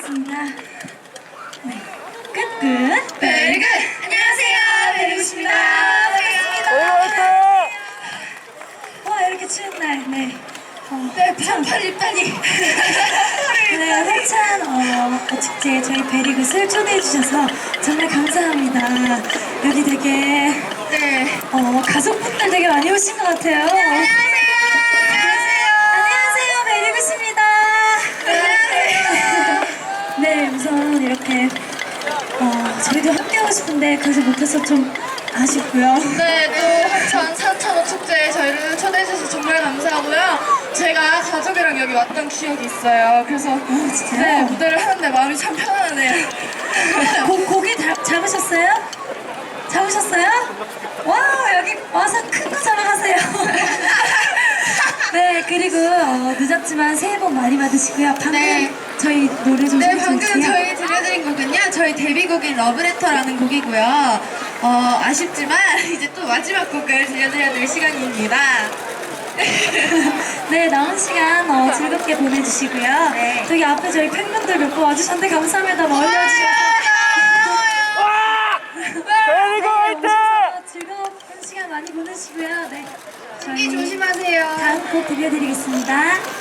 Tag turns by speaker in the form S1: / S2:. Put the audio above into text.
S1: 알겠습니다. 네, 끝.
S2: 베리굿! 안녕하세요, 베리굿입니다.
S1: 와, 이렇게 추운 날, 네.
S2: 네, 반팔 입다니.
S1: 네, 한찬 축제 저희 베리굿을 초대해주셔서 정말 감사합니다. 여기 되게
S2: 네.
S1: 가족분들 되게 많이 오신 것 같아요. 안녕하세요, 베리굿입니다.
S2: 안녕하세요.
S1: 네, 우선 이렇게 저희도 함께하고 싶은데 그러지 못해서 좀 아쉽고요.
S2: 네, 또 한천 산천어 축제에 저희를 초대해주셔서 정말 감사하고요. 제가 가족이랑 여기 왔던 기억이 있어요. 그래서
S1: 진짜요?
S2: 네, 무대를 하는데 마음이 참 편안하네요.
S1: 고기 잡으셨어요? 잡으셨어요? 와, 여기 와서 큰 거 잡아가세요. 네, 그리고 늦었지만 새해 복 많이 받으시고요. 방금
S2: 네.
S1: 저희 노래 좀
S2: 네,
S1: 소개 좀
S2: 방금
S1: 해주세요.
S2: 저희 들려드린 곡은요, 저희 데뷔곡인 러브레터라는 곡이고요. 아쉽지만 이제 또 마지막 곡을 들려드려야 될 시간입니다.
S1: 네, 남은 시간 즐겁게 보내주시고요.
S2: 네.
S1: 저기 앞에 저희 팬분들 몇 분 와주셨는데 감사합니다. 멀리 와주셔서.
S3: 베리굿 화이팅!
S1: 즐거운 시간 많이 보내시고요. 네,
S2: 감기
S1: 저희
S2: 조심하세요.
S1: 다음 곡 들려드리겠습니다.